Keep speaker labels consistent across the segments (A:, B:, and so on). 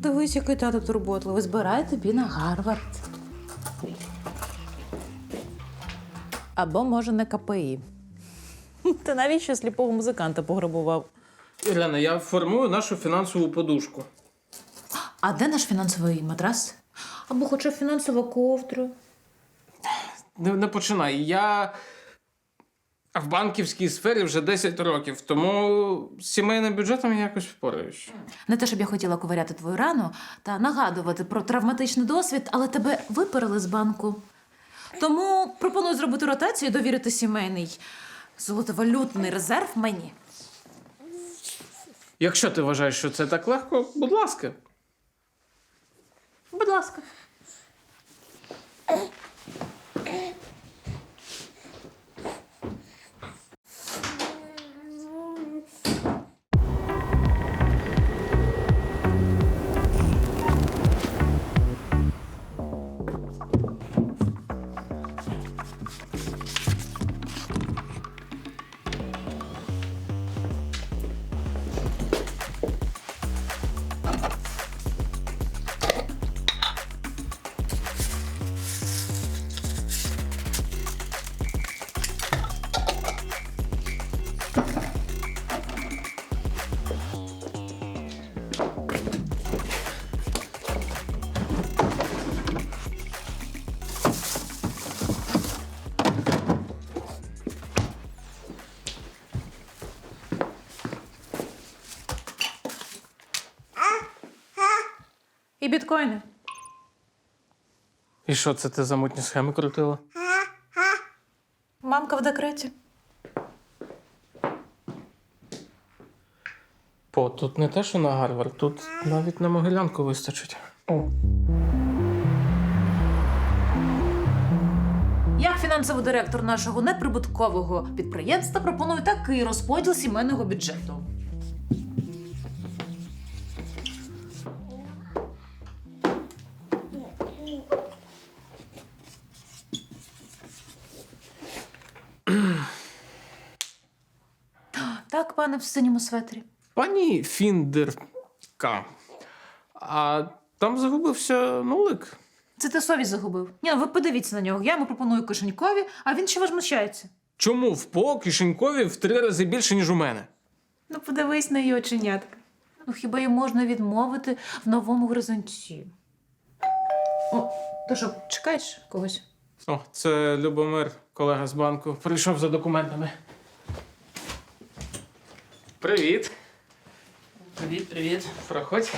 A: Дивись, який тато турботливий. Збирай тобі на Гарвард. Або, може, на КПІ. Ти навіщо сліпого музиканта пограбував?
B: Ірина, я формую нашу фінансову подушку.
A: А де наш фінансовий матрас? Або хоча б фінансова ковдра.
B: Не починай. Я в банківській сфері вже 10 років, тому з сімейним бюджетом я якось впораюсь.
A: Не те, щоб я хотіла ковиряти твою рану та нагадувати про травматичний досвід, але тебе виперли з банку. Тому пропоную зробити ротацію і довірити сімейний золотовалютний резерв мені.
B: Якщо ти вважаєш, що це так легко, будь ласка.
A: Будь ласка. І біткоїни.
B: І що це ти за мутні схеми крутила?
A: Мамка в декреті.
B: Тут не те, що на Гарвард, тут навіть на Могилянку вистачить.
A: Як фінансовий директор нашого неприбуткового підприємства пропоную такий розподіл сімейного бюджету. Так, пане в синьому светрі.
B: Пані Фіндерка, а там загубився нулик.
A: Це ти совість загубив. Ні, ну ви подивіться на нього. Я йому пропоную кишенькові, а він ще возмущається.
B: Чому в ПО кишенькові в 3 рази більше, ніж у мене?
A: Ну, подивись на її оченятка. Ну, хіба їй можна відмовити в новому горизонті? О, ти що, чекаєш когось?
B: О, це Любомир, колега з банку. Прийшов за документами. Привіт.
C: Привіт.
B: Проходь.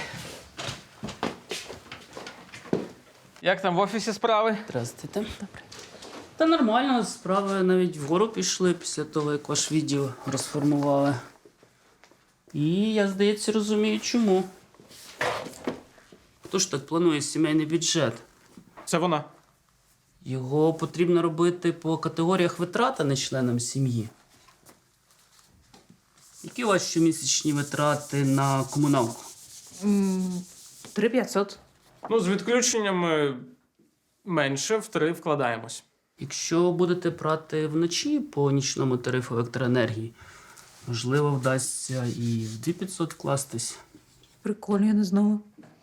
B: Як там в офісі справи?
C: Здравствуйте. Добре. Та нормально, справи навіть вгору пішли після того, як ваш відділ розформували. І я, здається, розумію, чому. Хто ж так планує сімейний бюджет?
B: Це вона.
C: Його потрібно робити по категоріях витрат, а не членам сім'ї. Які у вас щомісячні витрати на комуналку?
A: 3500.
B: Ну, з відключеннями менше, в 3 вкладаємось.
C: Якщо будете брати вночі по нічному тарифу електроенергії, можливо, вдасться і в 2500 вкластись.
A: Прикольно, я не знала.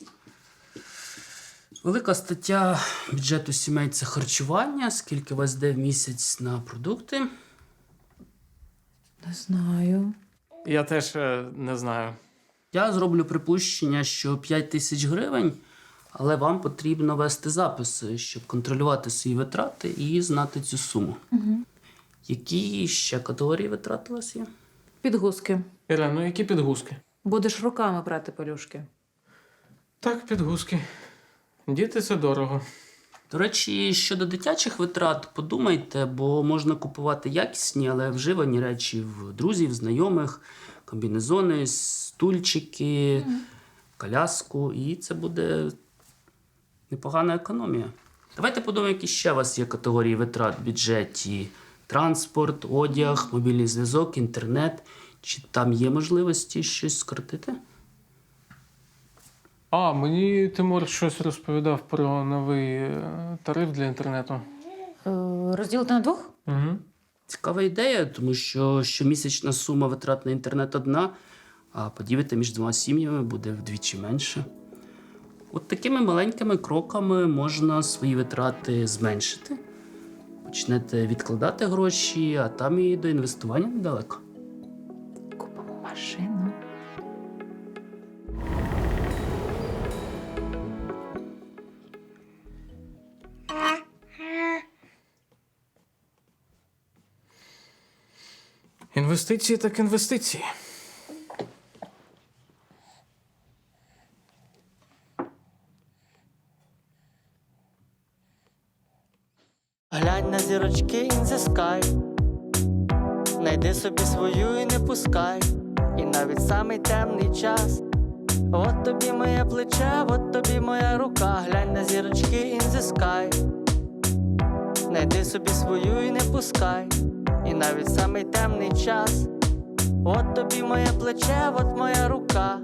C: Велика стаття бюджету сімей – це харчування. Скільки у вас йде в місяць на продукти?
A: Не знаю.
B: Я теж не знаю.
C: Я зроблю припущення, що 5000 гривень, але вам потрібно вести записи, щоб контролювати свої витрати і знати цю суму.
A: Угу.
C: Які ще категорії витрат у вас є?
A: Підгузки.
B: Ірина, ну які підгузки?
A: Будеш руками брати пелюшки.
B: Так, підгузки. Діти – це дорого.
C: До речі, щодо дитячих витрат, подумайте, бо можна купувати якісні, але вживані речі в друзів, знайомих, комбінезони, стульчики, коляску, і це буде непогана економія. Давайте подумаємо, які ще у вас є категорії витрат в бюджеті. Транспорт, одяг, мобільний зв'язок, інтернет. Чи там є можливості щось скоротити?
B: А, мені Тимур щось розповідав про новий тариф для інтернету.
A: Розділити на двох?
B: Угу.
C: Цікава ідея, тому що щомісячна сума витрат на інтернет одна, а поділити між 2 сім'ями буде вдвічі менше. От такими маленькими кроками можна свої витрати зменшити. Почнете відкладати гроші, а там і до інвестування недалеко.
A: Купимо машину.
B: Інвестиції так інвестиції.
D: Глянь на зірочки in the sky. Найди собі свою і не пускай. І навіть самий темний час. От тобі моє плече, от тобі моя рука. Глянь на зірочки in the sky. Найди собі свою і не пускай. І навіть самий темний час. От тобі моє плече, от моя рука.